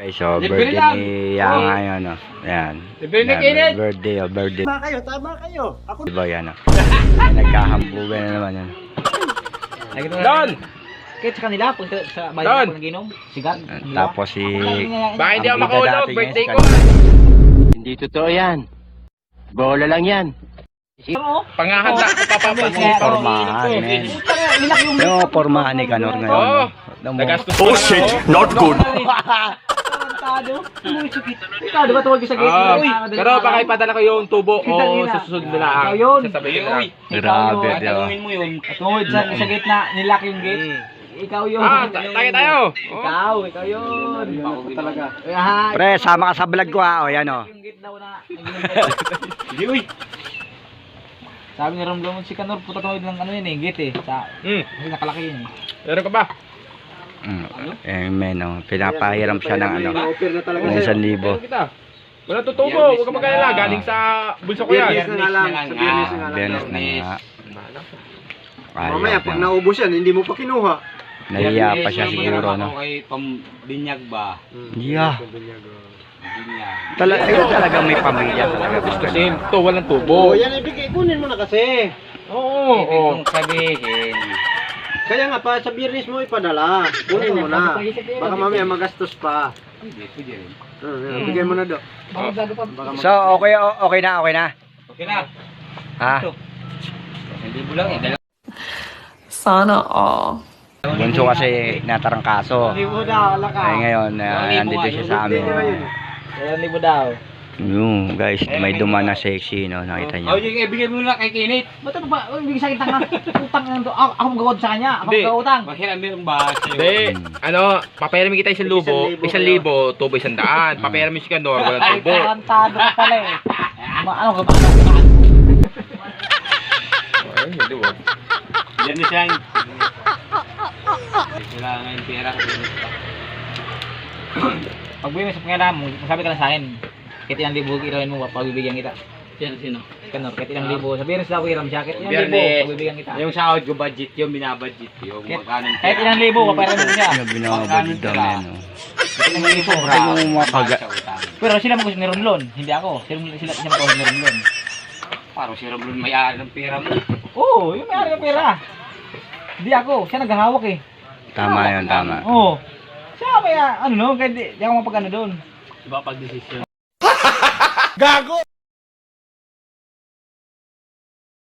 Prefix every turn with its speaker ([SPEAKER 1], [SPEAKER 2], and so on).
[SPEAKER 1] Okay, so birthday ni Yang ngayon, no? Yan. Yan, birthday.
[SPEAKER 2] Tama kayo. Ako
[SPEAKER 1] Diba yan, no? Ay, nagkahambugan na naman yan.
[SPEAKER 3] Don!
[SPEAKER 4] Kahit sa kanila, pag sa bayan ko ng ginom, sigat.
[SPEAKER 1] Tapos si...
[SPEAKER 3] Baka hindi ako
[SPEAKER 1] ang bida
[SPEAKER 3] makahulog,
[SPEAKER 1] dati niya,
[SPEAKER 3] birthday
[SPEAKER 1] si
[SPEAKER 3] ko.
[SPEAKER 5] Hindi totoo yan. Bola lang yan.
[SPEAKER 3] Pangahanda ko papapansin.
[SPEAKER 1] Pormahan, men. Yung pormahan ni Kanor ngayon,
[SPEAKER 3] Oo.
[SPEAKER 1] no?
[SPEAKER 3] Nagastos
[SPEAKER 5] Oh
[SPEAKER 3] ko na
[SPEAKER 5] shit,
[SPEAKER 3] ako.
[SPEAKER 5] not good.
[SPEAKER 4] Ikaw, di ba tuwag sa gate?
[SPEAKER 3] Pero baka ipadala ko yung tubo o sa susunod na lang.
[SPEAKER 4] Ikaw yun.
[SPEAKER 3] Sasabihin ko lang.
[SPEAKER 1] Grabe, di ba?
[SPEAKER 4] mo yun. Tungod sa gate na nilak yung gate. Ikaw yun.
[SPEAKER 3] Tayo.
[SPEAKER 4] Ikaw yun.
[SPEAKER 2] talaga.
[SPEAKER 1] Pre, sama ka sa vlog ko, ha? O, yan, o.
[SPEAKER 4] Yung gate daw na. Hindi, uy. Sabi ni Romblon, si Kanor, puta tawid ng ano yun eh, gate eh. Kasi nakalaki yun eh.
[SPEAKER 3] Meron ka ba?
[SPEAKER 1] Eh, men, o. Pinapahiram siya ng ano.
[SPEAKER 2] Na-offer na talaga
[SPEAKER 1] Ng
[SPEAKER 2] sa'yo.
[SPEAKER 1] 1,000.
[SPEAKER 3] Meron kita. Wala tutubo, huwag ka magkalala. Galing sa bulso ko yan.
[SPEAKER 2] Biyernes na lang. Sa biyernes na lang.
[SPEAKER 1] Biyernes na nga.
[SPEAKER 2] Mamaya, pag naubos yan, hindi mo pa kinuha.
[SPEAKER 1] Nahiya pa siya siguro, no?
[SPEAKER 5] kay pambinyag ba?
[SPEAKER 1] Yeah.
[SPEAKER 5] Binyag.
[SPEAKER 1] Talaga may pamilya talaga.
[SPEAKER 3] Kasi ito, walang
[SPEAKER 2] Oo,
[SPEAKER 3] tubo.
[SPEAKER 2] yan ibigay. Kunin mo na kasi.
[SPEAKER 3] Oo.
[SPEAKER 5] Sabihin.
[SPEAKER 2] Kaya nga pa, sa biyernes mo ipadala. Kunin mo na. Baka mamaya magastos pa. Bigay mo na do.
[SPEAKER 1] So, okay na.
[SPEAKER 5] Okay na.
[SPEAKER 1] Ha?
[SPEAKER 5] Hindi mo lang eh.
[SPEAKER 6] Sana all.
[SPEAKER 1] Bunso kasi natarangkaso.
[SPEAKER 4] Libo daw, alaka.
[SPEAKER 1] Ay ngayon, nandito siya sa amin.
[SPEAKER 4] Libo daw.
[SPEAKER 1] Yung guys, may duman na sexy, no? Nakita niyo.
[SPEAKER 5] yung ibigay mo lang kay Kinit.
[SPEAKER 4] Ba't ano ba? Ibig sa akin tanga. Utang na to. Ako magawad sa kanya. Ako
[SPEAKER 3] Hindi.
[SPEAKER 4] magawutang.
[SPEAKER 5] Bakit meron ba?
[SPEAKER 3] Hindi, papayamin kita 1,000, 1,000, tubo 100. Papayamin si Kanor, walang
[SPEAKER 4] Ay,
[SPEAKER 3] tubo.
[SPEAKER 4] tarantado ka pala eh. Ano ka ba?
[SPEAKER 3] Ay, hindi ba?
[SPEAKER 5] Yan na siyang. Kailangan yung pera.
[SPEAKER 4] Pag buwi mo sa pangyara mo, sabi ka lang sa akin. Kahit ilang libo irawin mo, pagbibigyan kita.
[SPEAKER 5] Sino?
[SPEAKER 4] Kanor, kahit ilang libo. Sa biyernes daw ko iram siya. Kahit ilang libo,
[SPEAKER 5] Biyernes.
[SPEAKER 4] pagbibigyan kita.
[SPEAKER 5] Yung sahod ko budget yung binabudget yung magkano.
[SPEAKER 4] Kahit ilang libo, papayaran mo siya.
[SPEAKER 1] Yung binabagod daw na, no?
[SPEAKER 4] Kahit ilang libo.
[SPEAKER 1] Ay, yung mga kaga...
[SPEAKER 4] Pero sila mo gusto ni Romlon, hindi ako. Sila mo gusto ni Romlon.
[SPEAKER 5] Parang si Romlon may-ari ng pera mo.
[SPEAKER 4] Oo, yung may-ari ng pera. Hindi ako, siya naghahawak eh.
[SPEAKER 1] Tama yun, tama.
[SPEAKER 4] Oo. Siya may ano no, kahit di ako mapag-ano doon.
[SPEAKER 5] Diba pag-desisyon?
[SPEAKER 2] Gago!